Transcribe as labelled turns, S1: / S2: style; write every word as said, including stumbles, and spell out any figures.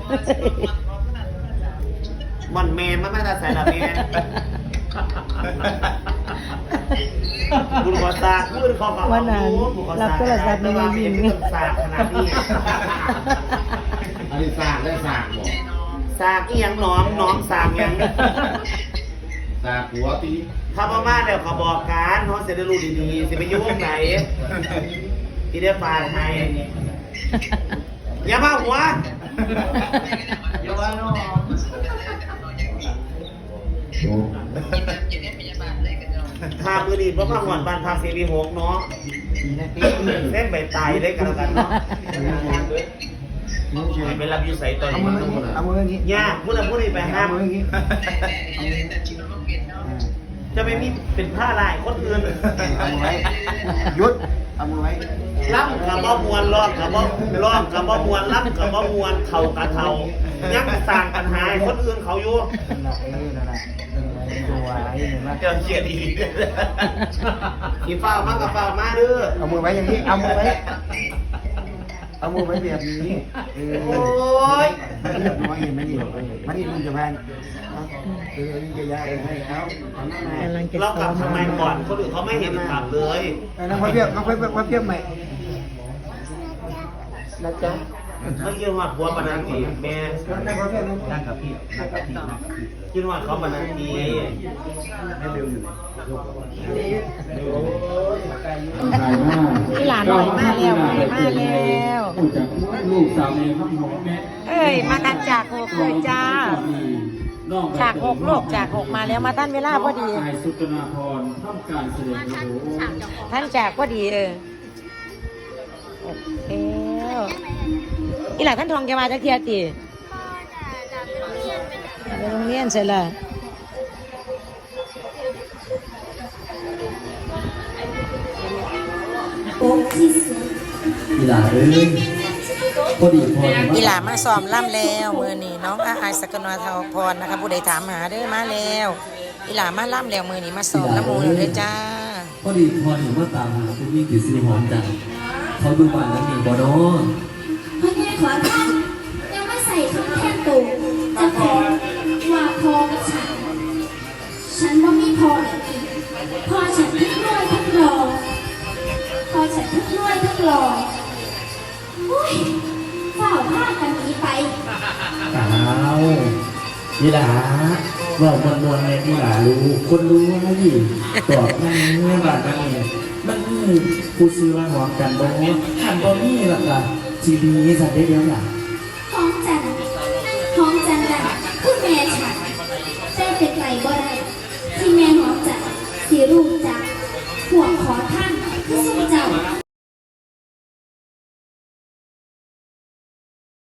S1: มันแมนมันไม่ได้ใส่ละแมนบุญขอสากบุญขอขอวันนั้น
S2: รับโทรศัพท์ในมือยิง
S1: สากขนาดนี้
S3: อันนี้สากได้สากบอก
S1: สากอีหยังน้องน้องสากยัง
S3: สากหัวตี
S1: ถ้ามาม่าเดี๋ยวขอบอกการน้องเสร็จได้รู้ดีๆสิไปยุ่งไหนที่ได้ฝากให้อย่ามาหัวอย่าว่าน้องพามือดีเพราะว่าหวานบานพาเซรีหกเนาะเส้นใบตายได้กันแล้วกันเนาะไปรับยูใส่ตอนนี้
S3: เอามืออย่างนี้
S1: ย่าพูดอะไรพูดอะไรไปห้ามมืออย่างนี้จะไม่มีเป็นผ้าลายคนอื่น
S3: เอามือไว้ยุดเอามือไว้
S1: ล่ำกับบ่มวนร้องกับบ่ร้องกับบ่มวนล่ำกับบ่มวนเข่ากับเข่ายังสร้างปัญหาคนอื่นเขาอยู่เจ้าเชียดีกี่เฝ้ามากกับเฝ้ามาเด้อ
S3: เอามือไว้อย่างนี้เอามือไว้เอามือไว้แบบนี้
S1: โอ้ย
S3: เรียบร้อยเห็นไหมนี่มันนี่มันจะแพงเออนี่จะยากให้เขา
S1: เรากลับทำไมก่อนคนอื่นเขาไม่เห็นกลับเลย
S3: น้องพ่อเพียบน้องพ่อเพียบพ่อเพียบใหม่นะจ๊ะ
S1: เขาคิดว่าหัวปนันทีแม่
S3: นั่งกับพี่นั่งกับพี่นั่งกับพี่
S1: คิดว่าเขาปนันที
S3: ไม่เร็วอยู่
S2: ที่หลานหน่อยมาแล้วมาแล้ว
S4: ลูกสาวเองครับผม
S2: เอ้ยมากันจากหกเลยจ้าจากหกโลกจากหกมาแล้วมาท่านเวลาพอดี
S4: สุตนาพรทำการแสดง
S2: ท่านจากพอดีเออเอออีหล่ะท่านทองแกมาจากเทียตีไปโรงเรียนเสร็จแล้ว
S4: อีหล่าเอ้ยพอดีพอ
S2: อีหล่ามาซ้อมล่ำแล้วมือนี่น้องอาไอสกนวทาพรนะคะผู้ใดถามหาเด้อมาแล้วอีหล่ามาล่ำแล้วมือนี่มาซ้อมน้ำมูลเลยจ้า
S4: พอดีพอหนูมาตามหาคุณยิ่งติดซื้อหอมจังเขาดูบ้านแล้วมีบ่เนาะ
S5: พ่อแม่ขอท่านยังไม่ใส่ชุดแท่นตูจะขอว่าพอกับฉันฉันว่าไม่พอเลยพอฉันทั้งรวยทั้งหล่อพอฉันทั้งรวยทั้งหล่ออุ้ยเฝ้าพากันหนีไป
S4: สาวนี่ล่ะบอกมวลมวลเลยนี่ล่ะรู้คนรู้นะยี่ตอบนั่นนี่บ้านนั่นนี่มันนี่ผู้ซื้อมาหอมกันบ่หันบ่นี่ล่ะค่ะทีดีสัตว์ได้เดียวล่ะ
S5: หอมจันหอมจันจันคือแม่ฉันแต่เป็นไกลบ่ได้ที่แม่หอมจันสีรูปจักหัวขอท่านคือสุเจ้า